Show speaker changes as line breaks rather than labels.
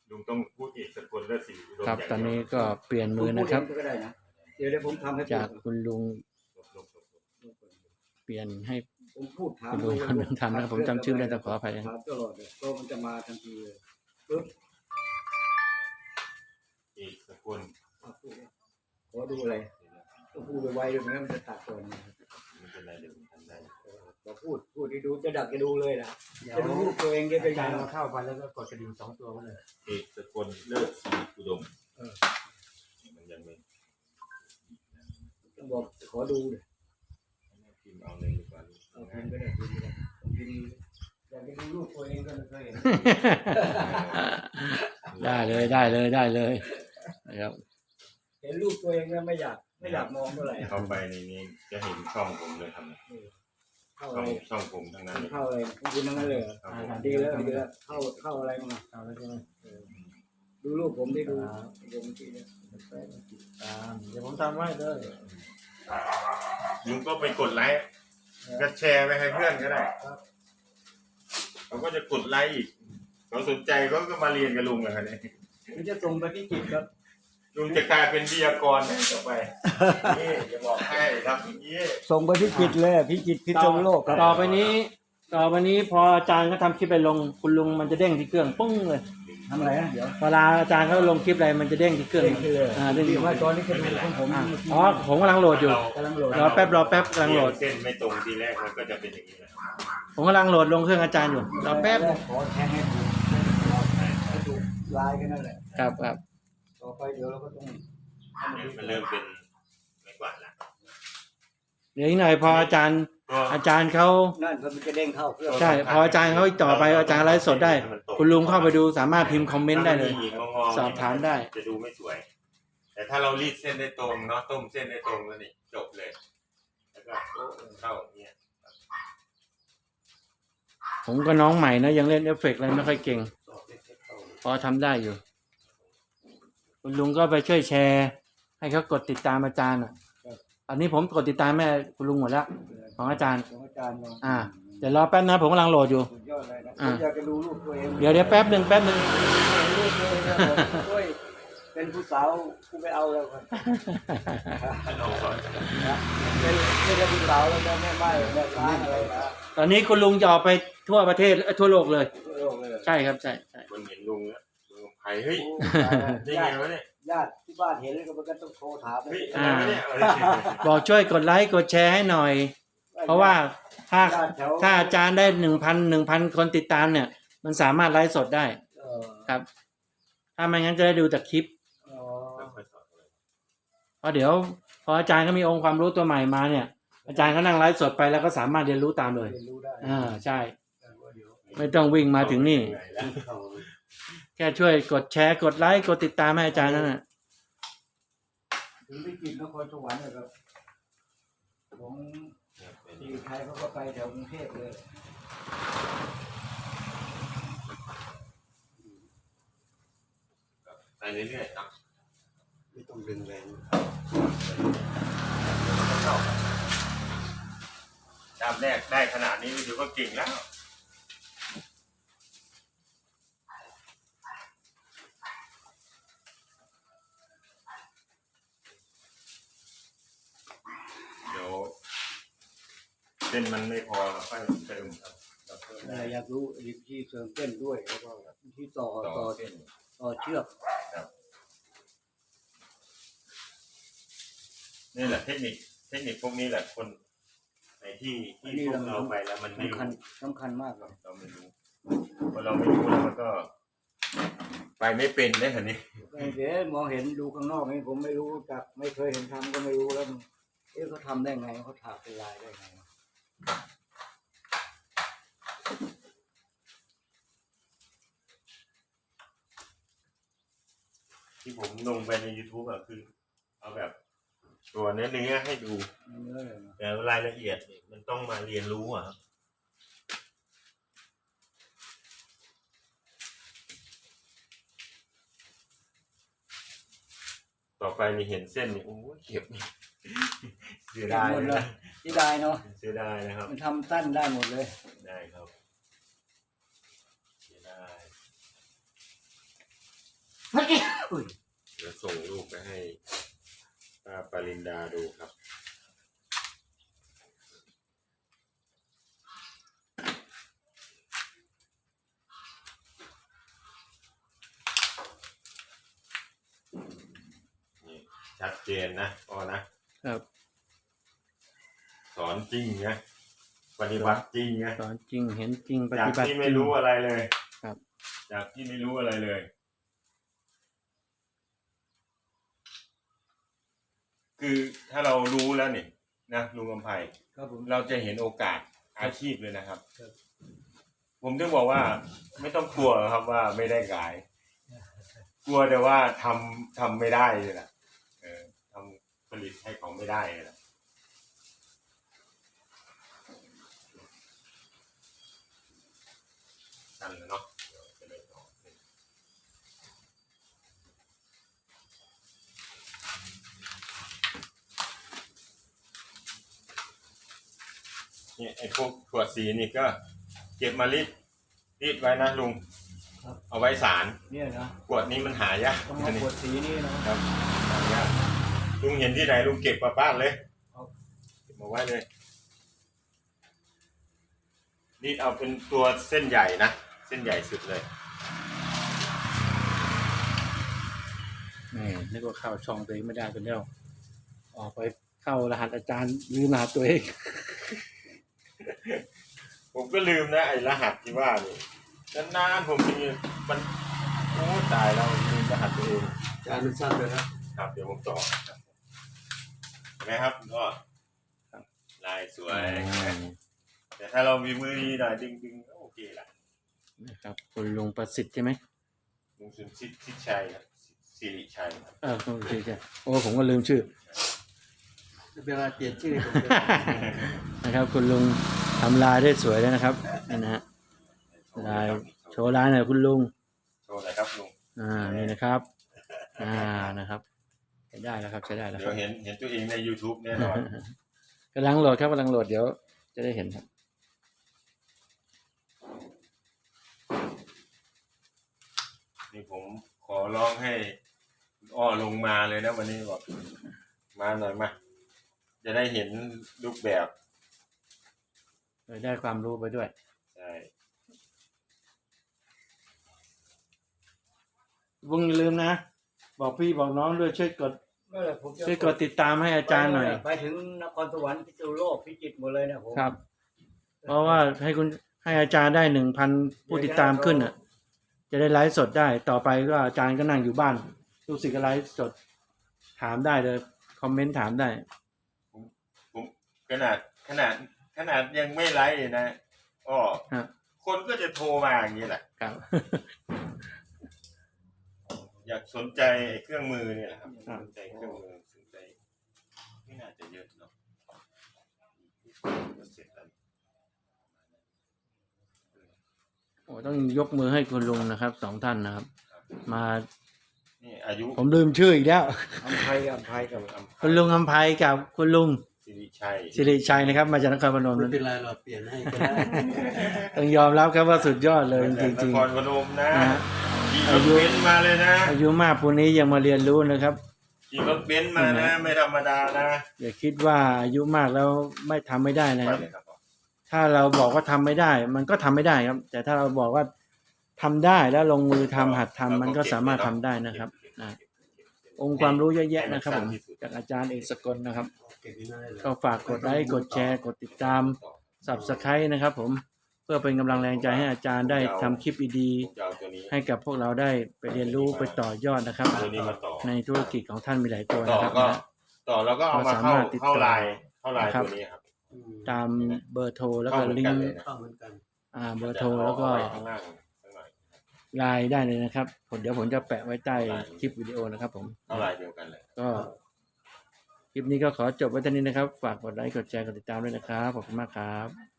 ลุงต้องพูดอีกสกุลและสีอุดม
ครับตอนนี้ก็เปลี่ยนมือนะครับ
ก็ได้นะเดี๋ยวผมทำให้
จากคุณลุงเปลี่ยนให้
ผมพูดถาม
คุณลุงคนหนึ่งทำนะครับผมจำชื่อไม่ได้ต้องขออภัยนะ
ถามตลอดเลยก็มันจะมาทันทีเลยปึ๊บ
อีกสกุล
ขอดูอะไรต้องพูดไวๆด้วยนะมันจะตัดก่อน
ไม่เป็นไรเดี๋ยวผมทำได้
พอพูดที่ดูจะดักจะดูเลยนะจะดูรูปตัวเองจะเป็น
อาจาร
ยัง
ย์
ไง
เราเข้าไปแล้วก็กดกระดิ่ง2 ตัวไว้เลย
อีกสกุลเลิศสีอุดมมันยังไม่
ต้องบอกขอดูเลย
พิมพ์เอาเลยดีกว่า
เอาพิมพ์ก็ได้พิมพ์ก็ได้พิมพ์อยากจะดูรูปตัวเองก็ไม่เคยเห็น
ได้เลยนะครับ
เห็นรูปตัวเองแล้วไม่อยากมองเท่าไหร่
เข้าไปในนี้จะเห็นช่องผมเลยครับ
เข้าอะไร
ช่องผมทั้งนั้นเลย
เข้าอะไรคุณทั้งนั้นเลยดีแล้วเข้าอะไรมา
เอาแล้วใช่ไหม
ดูรูปผมได้ดูผมทีนี้
เดี๋ยวผมทำไว้เลย
ลุงก็ไปกดไลค์ก็แชร์ไปให้เพื่อนก็ได้เขาก็จะกดไลค์อีกเขาสนใจเขาก็มาเรียนกับลุงเลยครับเนี่ย
มันจะส่งไปที่จิตครับ
ลุงจะกลายเป็นวิทยากรต่อไปนี่จะบอกให้ครับอย่างนี้
ส่งไปที่จิตเลยพิจิตพิจารโลกครับ
ต่อไปนี้พออาจารย์เขาทำคลิปไปลงคุณลุงมันจะเด้งที่เครื่องปุ้งเลย
ทำอะไรนะเดี๋ยว
เวลาอาจารย์เขาลงคลิปอะไรมันจะเด้งที่เครื่อง
เด้งเลย
เด้ง
เดี๋ยวว่าตอนนี้จะดูของผม
อ๋อผมกำลังโหลดอยู่
กำลังโหลด
รอแป๊บกำลังโหลด
เส้นไม่ตรงทีแรกมันก็จะเป็นอย่างนี้แหละ
ผมกำลังโหลดลงเครื่องอาจารย์อยู่รอแป๊บ
ขอแทงให้ถูกลายกันนั่นแหละ
ครับ
ต่อไปเดี๋ยวเราก็ต้อง
มันเริ่มเป็นไม่กวาดละ
เดี๋ยวอีกหน่อยพออาจารย์เขา
นั่นมันจะเด้งเข้าเครื่อง
ใช่พออาจารย์เขาต่อไปอาจารย์ไลฟ์สดได้ คุณลุงเข้าไปดูสามารถพิมพ์คอมเมนต์ได้เลย สอบถามได้
จะดูไม่สวย แต่ถ้าเรารีดเส้นได้ตรงเนาะต้มเส้นได้ตรงแล้วนี่จบเลย แล้วก็เข้าอย่างเงี้ย
ผมก็น้องใหม่นะยังเล่นเอฟเฟกต์อะไรไม่ค่อยเก่ง พอทำได้อยู่ คุณลุงก็ไปช่วยแชร์ ให้เขากดติดตามอาจารย์อันนี้ผมกดติดตามแม่คุณลุงหมดแล้วของอาจารย์
ของอาจารย์
เดี๋ยวรอแป๊บนะผมกำลังโหลดอยู่
สุดยอดเลยนะผมอยากจะดูรูปตัวเอง
เดี๋ยวแป๊บหนึ่ง
รูปตัวเองนะผมด้วยเป็นผู้สาวกูไม่เอาแล้วครับ
เอาก่อน
เป็นผู้สาวแล้วก็แม่ไม้แม่ร้านอะไรนะ
ตอนนี้คุณลุงจะออกไปทั่วประเทศทั่วโลกเลย
โลกเลย
ใช่ครับใช่
คนเห็นลุงแล้วลุงไผ่เฮ้ยได้ไงวะเนี่ย
ญาติที่บ้านเห็นแล้วก็มันก็ต้องโทรถาม
เฮ้ยอะไรวะเนี่ย
บอกช่วยกดไลค์กดแชร์ให้หน่อย เพราะว่าถ้าอาจารย์ได้1,000 คนติดตามเนี่ย มันสามารถไลฟ์สดได้ครับ ถ้าไม่งั้นจะได้ดูแต่คลิปเพราะเดี๋ยวพออาจารย์ก็มีองค์ความรู้ตัวใหม่มาเนี่ย อาจารย์ก็นั่งไลฟ์สดไปแล้วก็สามารถเรียนรู้ตามเลย
เรียนรู้ได้
ใช่ ไม่ต้องวิ่งมาถึงนี่ แค่ช่วยกดแชร์กดไลค์กดติดตามให้อาจารย์นั่นแหละ
ถึงไปกินนครสวรรค์เลยครับของที่ไทยเขาก็ไปแถวกรุงเทพเลย
ไปเรื่อยๆครับ
ไม่ต้องดึงแรง
ดามแรกได้ขนาดนี้ถือว่าเก่งแล้วเดี๋ยวเส้นมันไม่พอเราค่อยเติมครับเราเพิ่มได้
อยากรู้วิธีเสริมเต้นด้วยแล้วก็วิธีต่อ
เส้น
เชือก
นี่แหละเทคนิคพวกนี้แหละคนในที่พวกเราไปแล้วมันไม่รู้
สำคัญมากเลย
เราไม่รู้พอเราไม่รู้แล้วมันก็ไปไม่เป็นได้เหรอนี่
เดี๋ยวมองเห็นดูข้างนอกนี่ผมไม่รู้จักไม่เคยเห็นทำก็ไม่รู้แล้วเขาทำได้ไงเขาถากเป็นลายได้ไง
ที่ผมลงไปใน YouTube อะคือเอาแบบตัวเนื้อให้ดูแต่รายละเอียดเนี่ยมันต้องมาเรียนรู้อะครับต่อไปมีเห็นเส้นนี่โอ้เก็บเสียดาย
หมดเลยที่ได้เนาะ
เสียดายนะครับ
มันทำสั้นได้หมดเลย
ได้ครับเสียดายเดี๋ยวส่งรูปไปให้ป้าปรินดาดูครับนี่ชัดเจนนะพ่อนะครับ สอนจริงนะปฏิบัติจริงนะ
สอนจริงเห็นจริงป
จาก
ฏิบัติจ
ที่
ริ
ไม่
ง
รู้อะไรเลย
ครับ
จากที่ไม่รู้อะไรเลย คือถ้าเรารู้แล้วเนี่ยนะลุงกำไพ
ครับผม
เราจะเห็นโอกาสอาชีพเลยนะครับ
ครับ
ผมถึงบอกว่าไม่ต้องกลัวครับว่าไม่ได้ขาย กลัวแต่ว่าทำไม่ได้เลยล่ะทำผลิตให้เขาไม่ได้เลยล่ะนั่นแหละเนาะเดี๋ยวจะได้ต่อเนี่ยไอ้พวกถั่วสีนี่ก็เก็บมารีดไว้นะลุง เอาไว้สาร
เนี่ยนะ
ขวดนี้มันหายาก
ต้องมาขวดสีนี่นะครับ
หายากลุงเห็นที่ไหนลุงเก็บมาบ้านเลย
ครับ
เก็บมาไว้เลยนี่เอาเป็นตัวเส้นใหญ่นะเส้นใหญ่สุดเลย
นี่นึกว่าเข้าช่องตัวเองไม่ได้เป็นแล้วออกไปเข้ารหัสอาจารย์ลืมรหัสตัวเอง
ผมก็ลืมนะไอ้รหัสที่ว่านี่นานๆผมมีมันโอ้ตายแล้วลืมรหัสตัวเอง
จานมันสั้นเลยครับ
ครับเดี๋ยวผมต่อครับเห็นไหมครับก็ลายสวย แต่ถ้าเรามีมือดีหน่อยดึงๆก็โอเคละ
นะครับคุณลุงประสิทธิ์ใช่ไหม
ลุงสุนทรชิดชัยครับสิริชัยครับ
คุณประสิทธิ์ใช่โอ้ผมก็ลืมชื่อ
เวลาเปลี่ยนชื่อผมจะ
นะครับคุณลุงทำลายได้สวยเลยนะครับนี่นะฮะลายโชว์ลายหน่อยคุณลุง
โชว์หน่อยครับลุง
นี่นะครับนะครับใช้ได้แล้วครับใช้ได้แล้วค
เดี๋ย
รั
ว
บ
เห็นตัวเองใน YouTube แน่นอน
กำลังโหลดครับกำลังโหลดเดี๋ยวจะได้เห็นครับ
นี่ผมขอร้องให้อ้อลงมาเลยนะวันนี้บอกมาหน่อยมาจะได้เห็นรูปแบบ
ได้ความรู้ไปด้วย
ใช่
ลุงอย่าลืมนะบอกพี่บอกน้องด้วยช่วยกด
เมื่อไหร่ผมจะ
ช่วยกดติดตามให้อาจารย์หน่อย
ไปถึงนครสวรรค์พิษณุโลกพิจิตรหมดเลยนะผม
ครับ เพราะว่าให้อาจารย์ได้ 1,000 ผู้ติดตามขึ้นอ่ะ จะได้ไลฟ์สดได้ต่อไปก็อาจารย์ก็นั่งอยู่บ้านลูกศิษย์ก็ไลฟ์สดถามได้เลยคอมเมนต์ถามได้
ผมขนาดยังไม่ไลฟ์เลยนะอ้อ
ฮะ
คนก็จะโทรมาอย่างนี้แหละ
ครับ
อยากสนใจเครื่องมือเนี่ยแหละครับ
ครับ
สนใจเครื่องมือสนใจไม่น่าจะเยอะเนาะก็เสร็จแล้ว
โอ้ต้องยกมือให้คุณลุงนะครับ2 ท่านนะครับ มา
นี่อายุ
ผมลืมชื่ออีกแล้ว
อำไพกับ
คุณลุงอำไพกับคุณลุง
สิริชัย
สิริชัยนะครับ มาจากนครพนม
ไม่เป็นไรเราเปลี่ยนให้ก็ได้
ต้องยอมรับครับว่าสุดยอดเลยจ
จ
ริ
ริ
ง
นครพนมนะ
ๆนะฮะ
ขี่รถเบนซ์มาเลยนะ
อายุมากปูนี้ยังมาเรียนรู้นะครับ
ขี่รถเบนซ์มานะไม่ธรรมดานะ
อย่าคิดว่าอายุมากแล้วไม่ทำไม่ได้นะครับ
ไปเลยครับ
ถ้าเราบอกว่าทำไม่ได้ มันก็ทำไม่ได้ครับ แต่ถ้าเราบอกว่าทำได้แล้วลงมือทำหัดทำมันก็สามารถทำได้นะครับองค์ความรู้เยอะแยะนะครับผมจากอาจารย์เอกสกลนะครับ
เก็บไว้ได้เลย
ก็ฝากกดไลค์กดแชร์กดติดตาม Subscribe นะครับผมเพื่อเป็นกำลังแรงใจให้อาจารย์ได้ทำคลิปดี
ผมจะเอาตัวนี้
ๆให้กับพวกเราได้ไปเรียนรู้ไปต่อยอดนะครับ
ตัวนี้มาต่อ
ในธุรกิจของท่านมีหลายตัว
ต่อ
นะครับ
ก็
นะ
ต่อแล้วก็เอามา
เราสามารถติดต่อ
เข้าไลน์
นะครับ
ตัวนี้ครับ
ตามเบอร์โทรแล้วก็
เข้าเหมือน
ลิ
กั
ง
น
ก์
เลยนะ
เข้าเหมือนกัน
เบอร์โทรแล้วก็
เอาไว้ข้างล่างสักหน่อย
ไลน์ได้เลยนะครับเดี๋ยวผมจะแปะไว้ใต้คลิปวิดีโอนะครับผม
เข้าไลน์เดียวกันเลย
ก็คลิปนี้ก็ขอจบไว้เท่านี้นะครับ ฝากกดไลค์กดแชร์กดติดตามด้วยนะครับขอบคุณมากครับ